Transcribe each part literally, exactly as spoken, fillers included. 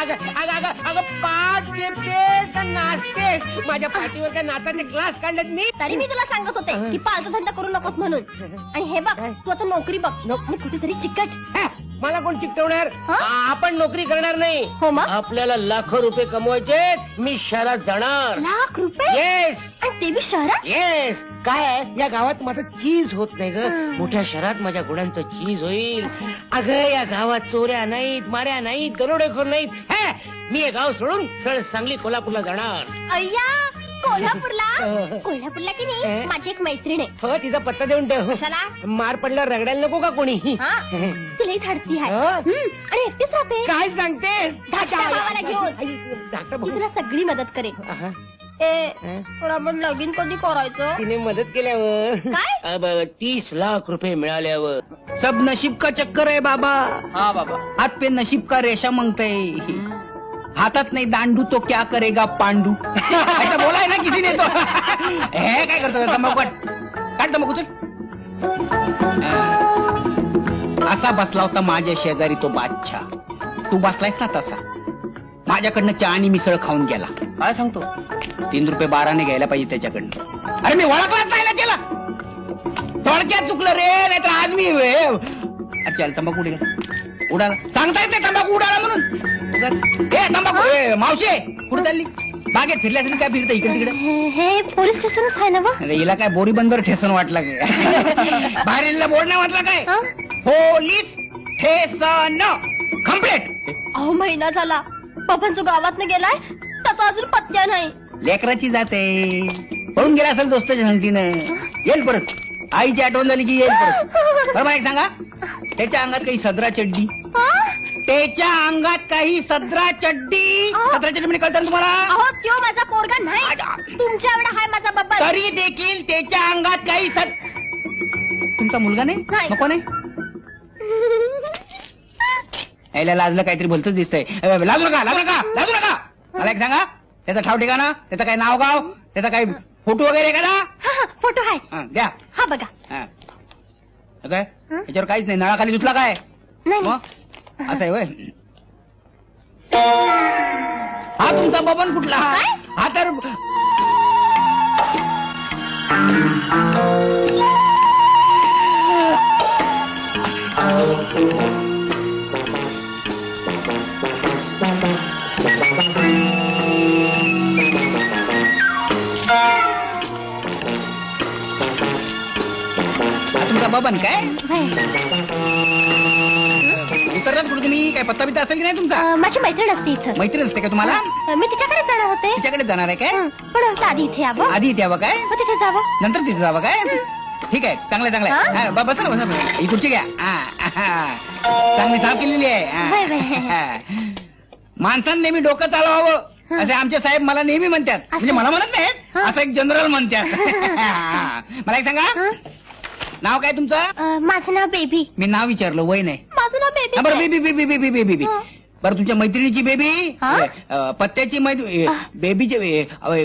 अगं पाठ देतेस का नाचतेस? माझ्या पाठीवर काय नाचाचे क्लास काढलेत मी? तरी मी तुला सांगत होते की पालचा धंदा करू नकोस म्हणून. आणि हे बघ, तू आता नोकरी बघ आणि कुठेतरी चिकट. मला कोण चिकटवणार? आपण नोकरी करणार नाही. हो मग आपल्याला लाखो रुपये कमवायचे. मी शहरात जाणार. लाख रुपये? येस. आणि ते बी शहरात? येस. काय या गावात माझं चीज होत नाही ग. मोठ्या शहरात माझ्या गुणांचं चीज होईल. अगं या गावात चोऱ्या नाहीत, माऱ्या नाहीत, दरोडेखोर नाहीत. हे मी हे गाव सोडून सरळ सांगली कोल्हापूरला जाणार. अय्या, कोल्हापूरला? कोल्हापूरला की नाही माझी एक मैत्रीण आहे. हो, तिचा पत्ता देऊन ठेव. कशाला? मार पडल्यावर रगडायला नको का कोणी? तिलाही धाडसी आहे आणि एकटीच राहते. काय सांगतेस? धाकट्या भावाला घेऊन ती तुला सगळी मदत करेल. ए, पण आपण लगीन कधी करायचं? तिने मदत केल्यावर काय? अब तीस लाख रुपये मिळाल्यावर. सब नशीब का चक्कर है बाबा. हा बाबा. हाथ पे नशीब का रेशा मांगते. हातात नाही दांडू तो क्या करेगा पांडू. ऐसा बोला है ना किसी ने तो. हे काय करतो तंबाखू काढ तंबाखू चल. असा बसला होता माझ्या शेजारी तो बादशाह. तू बसलायस ना तसा. माझ्याकडनं चहा आणि मिसळ खाऊन गेला. काय सांगतो? तीन रुपये बाराने घ्यायला पाहिजे त्याच्याकडनं. अरे मी ओळखलाच नाही ना त्याला. थोडक्यात चुकलं रे. नाही तर आज मी चल तंबाखू उडाला उडाला सांगता येत नाही तंबाखू उडाला म्हणून. ए तंबाखू मावशे कुठे चालली? बागेत फिरल्या असेल काय फिरतं इकडे तिकडे? हे पोलीस स्टेशनच आहे ना? अरे हिला काय बोरी बंदर ठेसन वाटला काय? बाहेर बोर्ड नाही वाटला काय? Police station complaint. अहो महिना झाला पप्पांचं गावात गेलाय त्याचा अजून पत्त्या नाही. लेकराची जाते पळून गेला असेल दोस्ताच्या संगतीनं. येईल परत. आईची आठवण झाली की येईल परत. बरं एक सांगा, त्याच्या अंगात काही सदरा चड्डी? त्याच्या अंगात काही सदरा चड्डी? सदरा चड्डी म्हणजे कळतं तुम्हाला? अहो त्यो माझा पोरगा नाही, तुमच्या एवढा हाय माझा बाबा. तरी देखील त्याच्या अंगात काही सद. तुमचा मुलगा नाही? नको नाही. यायला लाजलं काहीतरी भलतच दिसतंय. लाजू नका लाजू नका लाजू नका. मला एक सांगा, त्याचा ठाव ठिकाणा, त्याचं काही नाव गाव, त्याचा काही फोटो वगैरे का ना? फोटो आहे द्या. हा बघा. काय याच्यावर काहीच नाही. नळाखाली धुतला काय? मग असं आहे वय. हा तुमचा बबन कुठला? हा तर तुमचा बबन काय? उतरलात कुठे तुम्ही? काय पत्ता बित्ता असेल की नाही तुमचा? माझी मैत्रीण असते इथं. मैत्रीण असते का तुम्हाला? मी तिच्याकडे जाणार होते. तिच्याकडे जाणार आहे काय? पण आधी इथे यावं. आधी इथे यावं काय? तिथे जावं. नंतर तिथे जावं काय? ठीक आहे, चांगलं चांगलं. बसा ना बसा. ही खुर्ची घ्या. चांगली साफ केलेली आहे. माणसानं नेहमी डोकं चालवावं असे आमचे साहेब मला नेहमी म्हणतात. म्हणजे मला म्हणत नाहीत, असं एक जनरल म्हणतात. मला एक सांगा, नाव काय तुमचं? माझं नाव बेबी. मी नाव विचारलं, वय नाही. माझं नाव बेबी. बरं baby baby baby baby baby. बरं तुमच्या मैत्रिणीची बेबी, पत्त्याची बेबीचे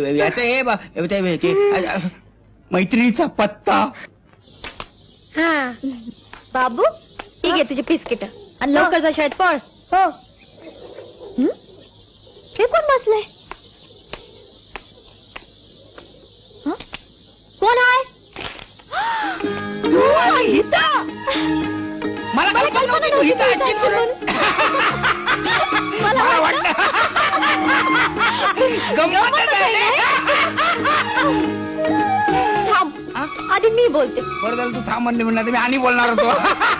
याचं मैत्रिणीचा पत्ता. बाबू ठीक आहे तुझे बिस्किट आणि लवकर जा शाळेत पळ. हो. हे कोण बसलंय? कोण आहे? मला कल्पना नव्हती तू हिता असशील म्हणून. मला वाटलं गंमतच आहे. थांब, आधी मी बोलते. बरं झालं तू थांब म्हणले म्हणणार, मी आणि बोलणार होतो.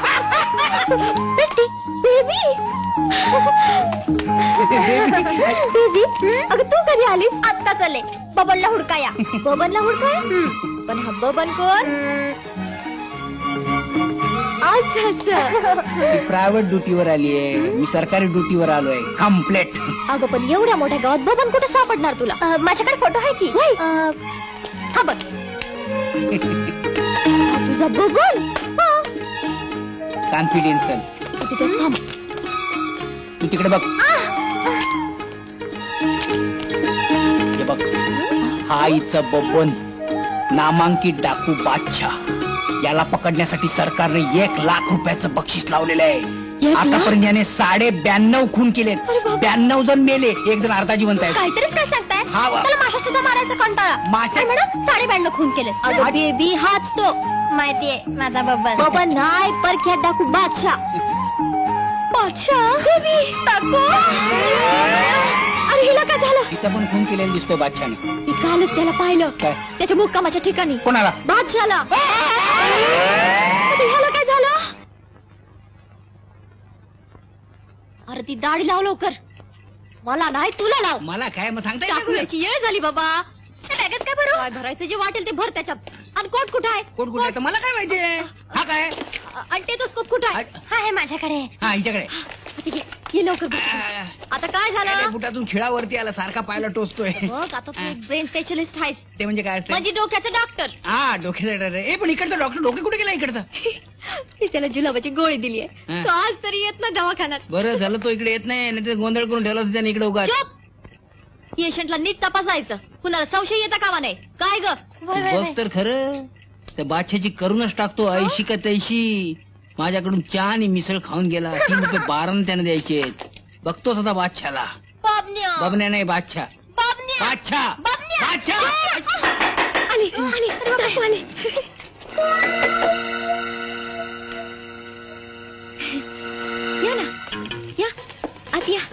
बेबी बेबी अगं तू कधी आलीस? आत्ता चले. बबनला हुडकाया. बबनला हुडकाया? पण हा बबन कोण? प्रायव्हेट ड्युटीवर आली आहे, मी सरकारी ड्युटीवर आलोय. कम्प्लेट. अगं पण एवढ्या मोठ्या गावात बबन कुठे सापडणार तुला? माझ्याकडे फोटो आहे की. हा बघ तुझा बबन. कॉन्फिडेन्शियल. तिथे थांब. तू तिकडे बघ. हे बघ, हा इथं बबन नामांकित डाकू बादशाह. याला पकडण्यासाठी सरकारने एक लाख रुपयाचं बक्षीस लावलेलं आहे. Yes ना? आतापर्यंत याने साडे ब्याण्णव खून केलेत. अरे बाप. ब्याण्णव जण मेले, एक जण अर्धा जिवंत आहे. काहीतरीच काय सांगताय हा वा. त्याला माशा सुद्धा मारायचा कंटाळा. माशा? काय म्हणा साडे ब्याण्णव खून केले. अगं बेबी हाच तो माहितीये माझा बब्बन. बब्बन नाही परख्यात डाकू बादशाह. बादशाह बेबी टाकू. अरे हिला काय झालं? तिचा पण खून केलेला दिसतो बादशाने. मी कालच त्याला पाहिलं काय? त्याच्या मुक्कामाच्या ठिकाणी. कोणाला? बादशाला. अरे ह्याला काय झालं? अरे ती दाढी लाव लवकर. मला नाही तुला लाव. मला काय मग सांगता येत नाही. टाकूयाची येळ झाली बाबा. त्या बॅगेत काय भरू? काय भरायचं जे वाटेल ते भर त्याच्यात. आणि कोट कुठं आहे? कोण कुठे आहे तर मला काय माहितीये. हा काय? आणि टेटोस्कोप कुठं आहे? हा आहे माझ्याकडे. हा हिच्याकडे. आता ये- ये लवकर बघ. आता काय अरे, झालं? बुटातून खिळावरती आला सारखा पायाला टोचतोय. बघ आता तू ब्रेन स्पेशलिस्ट आहेस. ते म्हणजे काय असतं? म्हणजे डोक्याचं डॉक्टर. हा डोक्याचा डर आहे. ए पण इकडचा डॉक्टर डोके कुठे गेला इकडचा? मी त्याला जुलाबाची गोळी दिली आहे. हा. तो आज तरी येत ना दवाखान्यात. बरं झालं तो इकडे येत नाही, नाही तर गोंधळ करून ठेवला होता त्याने इकडे उगा. चुप! पेशंटला नीट तपासायचं. कुणाला संशय येता कामा नाही. काय ग? बघ तर खरं त्या बादशाची करूनच टाकतो. ऐशी का तैशी माझ्याकडून चहा आणि मिसळ खाऊन गेला. तीन रुपये बारानं त्याने द्यायचे. बघतोच आता बादशाला. बाबन्या. बबन्या नाही बादशा. बाबन्या. बादशा बाबन्या. बादशा. आली आली अरे बाबा आली. या ना या आत या.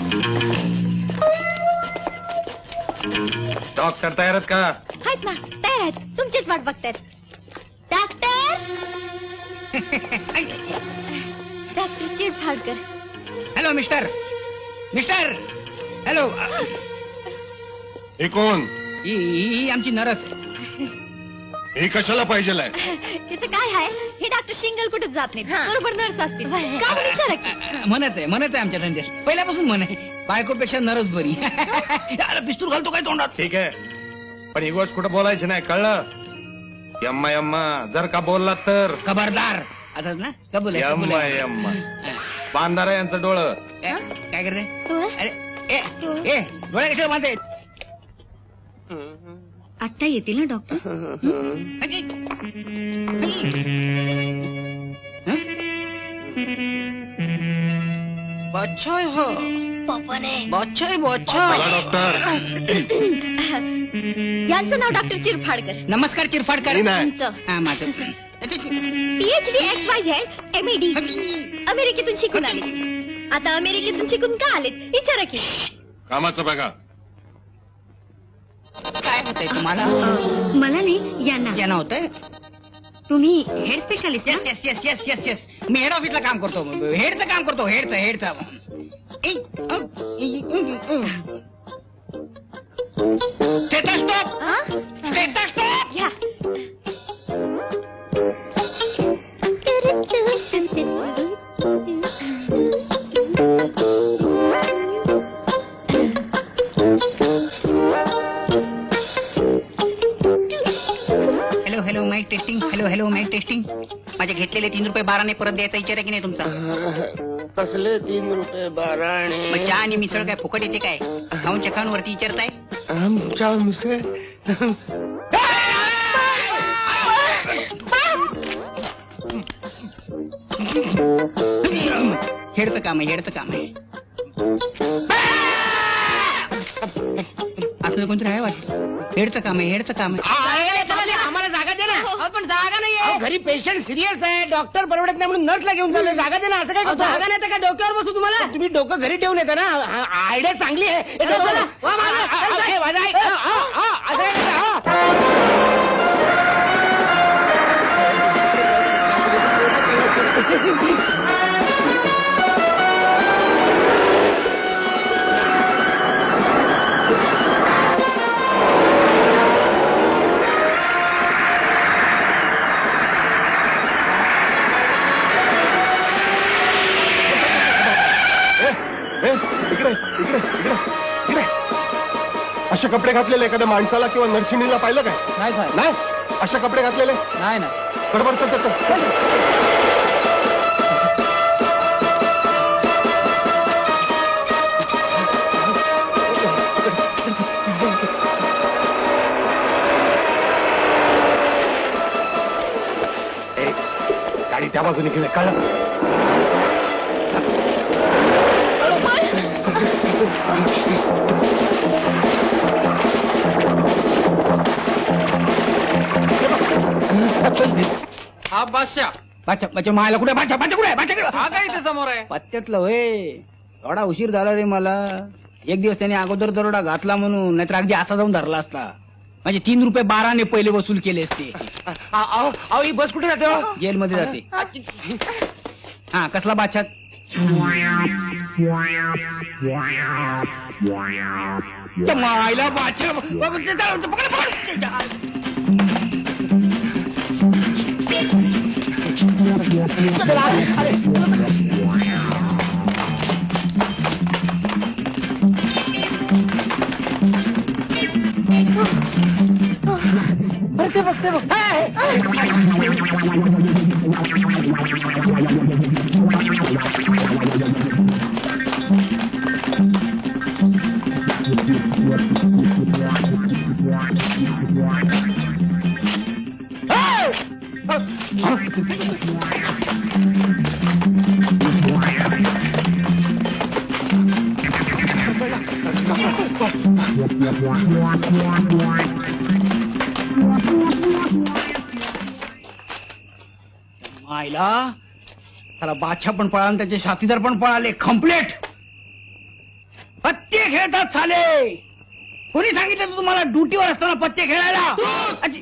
डॉक्टर तयार आहेत का? आहेत ना तयार आहेत. तुमचीच वाट बघतायत. Doctor doctor Chirphadkar. Hello mister mister hello. हे कोण? ही ही आमची नरस. हे कशाला पाहिजे? त्याचं काय आहे हे डॉक्टर शिंगल कुठेच जात नाही. बरोबर नर्स असतील. का म्हणून विचारा की. म्हणत आहे म्हणत आहे आमच्या धंद्यात पहिल्यापासून म्हण आहे. बायकोपेक्षा नरस बरी. अरे पिस्तूल घालतो काय तोंडात? ठीक आहे पण ही गोष्ट कुठं बोलायची नाही, कळलं? यम्मा यम्मा जर का बोलला तर खबरदार. असंच ना कबूल आहे, कबूल यम्मा आहे. यम्मा हा. बांधारा यांचं डोळं. ए, काय करते? डोळा? अरे ए ए डोळ्या कशाला बांधते? आत्ता येतील ना डॉक्टर. अजी. हं? बादशाह आहे हा. पप्पाने बादशाह आहे बोला बादशाह. डॉक्टर. यांचं नाव डॉक्टर चिरफाडकर. नमस्कार चिरफाडकर. मी नाही. तुमचं हा माझं. PhD X Y Z M D अमेरिकेतून शिकून आले. आता अमेरिकेतून शिकून का आलेत विचारा की. कामाचं बघा. काय होतंय तुम्हाला? मला नाही यांना. यांना होतंय? तुम्ही head specialist yes yes yes yes yes yes मी हेड ऑफिसला काम करतो. हेडचं काम करतो हेडचं हेडचं. Stethoscope stethoscope. घ्या. Hello hello mic testing. Hello hello mic testing. माझे घेतलेले तीन रुपये बाराने परत द्यायचा विचार आहे की नाही तुमचा? कसले तीन रुपये बाराणे? मग चहा आणि मिसळ काय फुकट येते काय? खाऊन चखाऊन वरती विचारताय? आमच्या मिसळ हेडचं काम आहे हेडचं काम आहे. आपलं कोणतरी आहे वाटतं. हेडचं काम आहे हेडचं काम आहे. आम्हाला जागा दे ना. पण जागा नाहीये. घरी पेशंट सिरियस आहे. डॉक्टर परवडत नाही म्हणून नर्सला घेऊन चालले. जागा दे ना. असं काय जागा नाही तर काय डोक्यावर बसू तुम्हाला? तुम्ही डोकं घरी ठेवून येता ना. आयडिया चांगली आहे. ए, डोक्याला- वा, माझं- ए, माझं ऐक. हा, हा, हा, असं काय करता? हा. ए, इकडे इकडे इकडे इकडे. असे कपडे घातलेले एखाद्या माणसाला किंवा नर्सिंगला पाहिलं काय? नाही साहेब. नाही अशा कपडे घातलेले नाही ना. गडबड चल, चल, चल. ए, गाडी त्या बाजूने घेऊन ये, कळलं? हा बादशाह बाच्या बाच्या मायला कुठे बाच्या बाच्या कुठे बाच्या हा काय इथे समोर आहे पत्त्यातलं होय. थोडा उशीर झाला रे मला. एक दिवस त्याने अगोदर दरोडा घातला म्हणून, नाहीतर अगदी असा जाऊन धरला असता. म्हणजे तीन रुपये बाराने पहिले वसूल केले असते. अहो अहो, ही बस कुठे जाते हो? जेलमध्ये जाते. हा कसला बादशाह? त्या मायला बादशाह पकड, पकड. बघते बघते बघ मायला त्याला बादशाह पण पळाला, त्याचे साथीदार पण पळाले. कम्प्लेट पत्ते खेळतात साले. कोणी सांगितलं तुम्हाला ड्युटीवर असताना पत्ते खेळायला? अजी-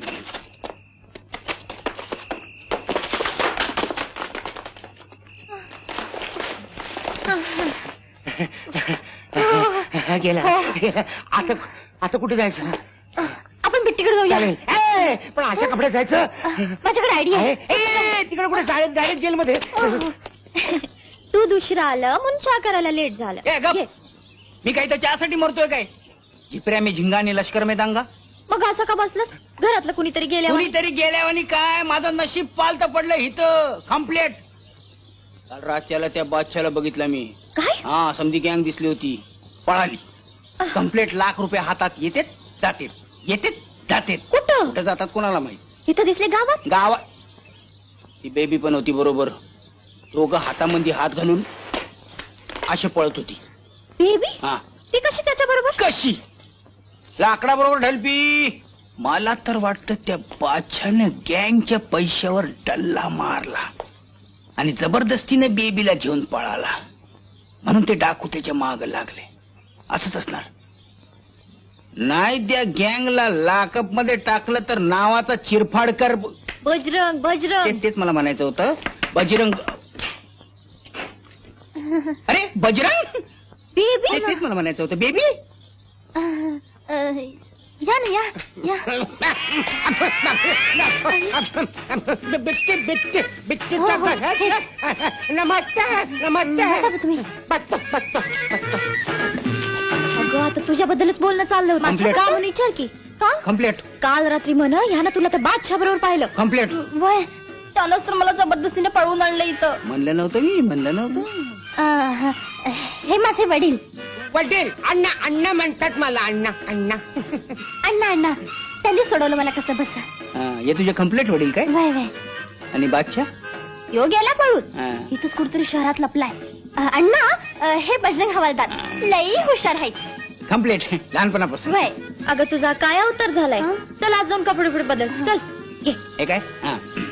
गेला गेला. आता आता कुठे जायचं? आपण बिट्टीकडे जाऊया. चालेल. ए, पण अशा कपड्यात जायचं माझ्याकडे आयडिया आहे. आहे. ए, तिकडे कुठे डायरेक्ट डायरेक्ट जेलमध्ये. तू दुसरा आलं म्हणून चहा करायला लेट झालं. ए, गप. घे. मी काही तर चहासाठी मरतोय काय? झिपऱ्या मी झिंगाने लष्कर में दांगा. मग असं का बसलंस? घरातलं कुणीतरी गेल्या कुणीतरी गेल्यावानी काय? माझं नशीब पालत पडलं इथं. कम्प्लेट. काल रातच्याला त्या बादशाला बघितलं मी. काय? हा समधी गँग दिसली होती, पळाली. कम्प्लेट लाख रुपये हातात येतेत जातेत, येतेत जातेत. कुठं? कुठं जातात कोणाला माहित. इथं दिसले गावात? गावात ती बेबी पण होती बरोबर. दोघं हातामध्ये हात घालून अशी पळत होती. बेबी? हा ती कशी त्याच्या बरोबर? कशी? लाकडा बरोबर ढलपी. मला तर वाटतं त्या बादशाने गँगच्या पैशावर डल्ला मारला आणि जबरदस्तीने बेबीला घेऊन पळाला, म्हणून ते डाकू त्याच्या माग लागले. असंच असणार. नाही त्या गँगला लाकअप मध्ये टाकलं तर नावाचा चिरफाडकर. बजरंग बजरंग. ते- तेच मला म्हणायचं होतं. बजरंग. अरे बजरंग. बेबी? ते- तेच मला म्हणायचं होतं. बेबी. अं, अं, या ना या या. बिच्चे बिच्चे बिच्चे हो, हो. नमस्ते नमस्ते. बसा तुम्ही. बत्त बत्त अगं आता तुझ्याबद्दलच बोलणं चाललं होतं. Complete. का म्हणून विचार की. का? कम्प्लेट. काल रात्री म्हण ह्यानं तुला त्या बादशाह बरोबर पाहिलं. कम्प्लेट. वय त्यानंच तर मला जबरदस्तीने पळवून आणलं इथं. म्हणलं नव्हतं मी. म्हणलं नव्हतं. अं, हे माझे वडील. वडील अण्णा अण्णा म्हणतात मला. अण्णा अण्णा अण्णा अण्णा त्यांनी सोडवलं मला कसं बस. हा, हे तुझे कम्प्लेट वडील काय? वय वय आणि बादशाह? यो गेला पळून. हा. इथंच कुठतरी शहरात लपलाय. अं, अण्णा अं, हे बजरंग हवालदार लई हुशार आहेत. कम्प्लेट लहानपणापासून. वय अगं तुझा काय अवतार झालाय. चल आज जाऊन कपडे बिपडे बदल. चल घे. हे काय? हा.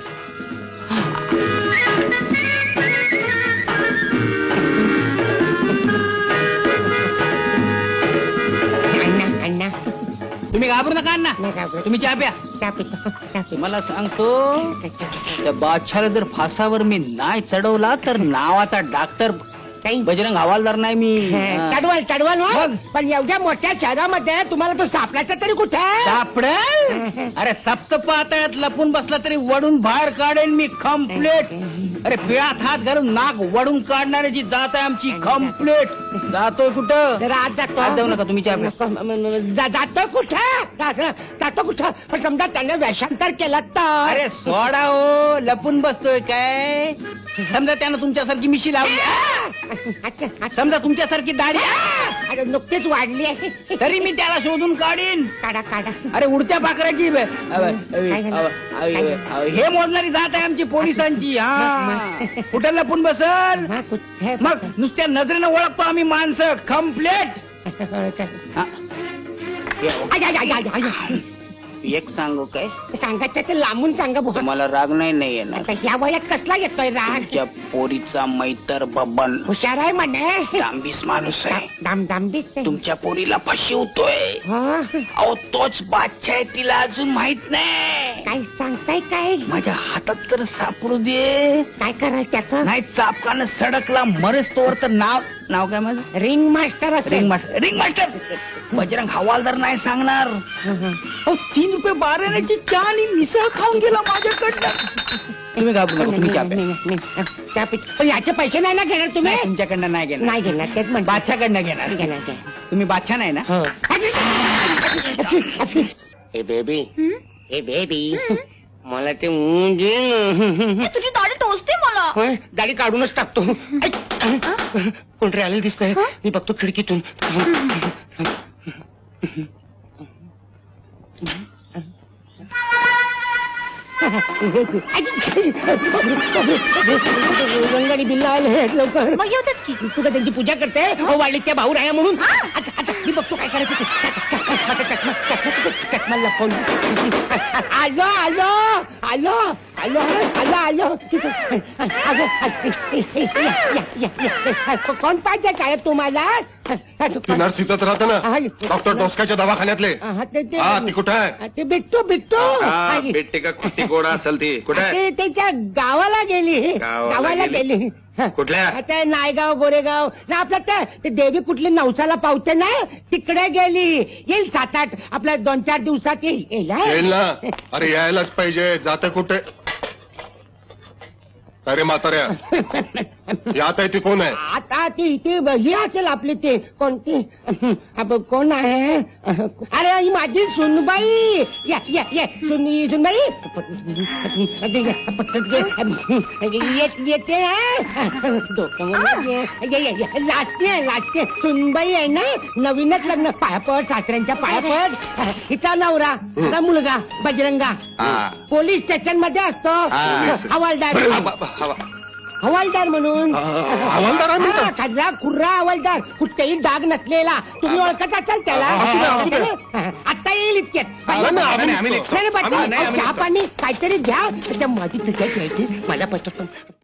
अण्णा अण्णा तुम्ही घाबरू नका अण्णा. नाही घाबरत. तुम्ही चहा प्या. चहा पितो चहा पितो. तुम्हाला सांगतो त्या बादशाला जर फासावर मी नाही चढवला तर नावाचा डॉक्टर काही बजरंग हवालदार नाही मी. हा. चढवाल चढवाल हो. मग? पण एवढ्या मोठ्या शहरामध्ये तुम्हाला तो सापडायचा तरी कुठे? सापडेल? अरे सप्त पातळ्यात लपून बसला तरी वडून बाहेर काढेन मी. कम्प्लेट. अरे पिळात हात घालून नाक वडून काढणाऱ्याची जात आहे आमची. कम्प्लेट. जातोय कुठं? जरा आज जातो. आज जाऊ नका तुम्ही चहा प्या. नको, म- म- म- जा- जातो कुठं? जा- जातो कुठं? पण समजा त्याने वेषांतर केलं तर. अरे सोडा हो. लपून बसतोय काय? समजा त्यानं तुमच्यासारखी मिशी लावली. अच्छा, अच्छा. समजा तुमच्यासारखी दाढी. अरे नुकतीच वाढली आहे. तरी मी त्याला शोधून काढीन. काढा काढा. अरे उडत्या पाखराची ब- अव- अव- काय झालं? अव- काय झालं? अव- हे मोजणारी जात आहे आमची पोलिसांची. हा कुठं लपून बसल? हा, कुठे? मग नुसत्या नजरेनं ओळखतो आम्ही माणसं. कम्प्लेट. काय? हा. आय, आय, आय, आय, आय. एक सांगू काय सांगायचं तर लांबून सांगा बुवा. तुम्हाला राग नाही नाही येणार आता या वयात कसला येतोय राग तुमच्या पोरीचा मैतर बबन हुशार आहे म्हणे डांबीस माणूस आहे दाम दामबीस तुमच्या पोरीला फसवतोय अहो तोच बादशाह आहे तिला अजून माहित नाही काय सांगताय काय माझ्या हातात तर सापडू दे काय करायचं त्याचं नाही चापकानं सडकला मरेच तोवर तर नाव नाव काय माझं रिंग मास्टर रिंग असेल मास्टर रिंग मास्टर बजरंग हवालदार नाही सांगणार अहो, तीन रुपये बाराण्याची चहा आणि मिसळ खाऊन गेला माझ्याकडनं तुम्ही घाबरू नका तुम्ही चहा प्या. त्या पै- पण याचे पैसे नाही ना घेणार तुम्ही नाही, तुमच्याकडनं नाही घेणार नाही घेणार तेच म्हणतो बादशाकडनं घेणार घेणार घेणार. तुम्ही बादशाह नाही ना हो. ए बेबी ए बेबी मला ते ऊन दे ना. तुझी दाढी टोचते मला होय, दाढी काढूनच टाकतो ऐक, कोणतरी आलेलं दिसतंय मी बघतो खिडकीतून गंगाडी बिल्ला आले लवकर मग येतात की तुला त्यांची पूजा करते हो वाढली त्या भाऊ राया म्हणून अच्छा, अच्छा, मी बघतो काय करायचं ते. चकमा, चकमा, चकमा, चकमा, चकमा लपवून. आलो आलो आलो आलो आलो आलो आलो या, या, या, या. कोण पाहिजे साहेब तुम्हाला ती नर्स इथंच राहते ना डॉक्टर डोसकाच्या दवाखान्यातले हा, ते ते- हा ती कुठे आहे ते बिट्टू बिट्टू हा, भेटते का कुठे गोडा असेल ती कुठे आहे? ते त्याच्या गावाला गेली गावाला गावाला गेली? गेली कुठल्या आता नायगाव गोरेगाव ना आपल्या ते ते देवी कुठली नवसाला पावते ना तिकडे गेली येईल सात आठ आपल्या दोन चार दिवसात येईल येईल हा? येईल ना अरे यायलाच पाहिजे जात कुठे अरे म्हाताऱ्या यात आहे ती कोण आहे आता ती ती ही असेल आपली ती कोणती अब कोण आहे अरे ही माझी सुनबाई या या या सुन सुनबाई येत येते लाजते लाजते सुनबाई आहे ना नवीनच लग्न पायापड सासऱ्यांच्या पायापड हिचा नवरा हिचा मुलगा बजरंगा हा. पोलीस स्टेशन मध्ये असतो हा. हवालदार हवालदार म्हणून हवालदार आहे म्हणतो? हा, खर्रा खुर्रा हवालदार कुठेही डाग नसलेला तुम्ही ओळखत असाल त्याला असू दे, असू दे. आता येईल इतक्यात नाही, नाही, आम्ही- आम्ही निघतो. नाही, नाही, आम्ही- नाही, आम्ही चहा निघतो. पाणी काहीतरी घ्या त्या माझी पिठ्या घ्यायची मला पटत पण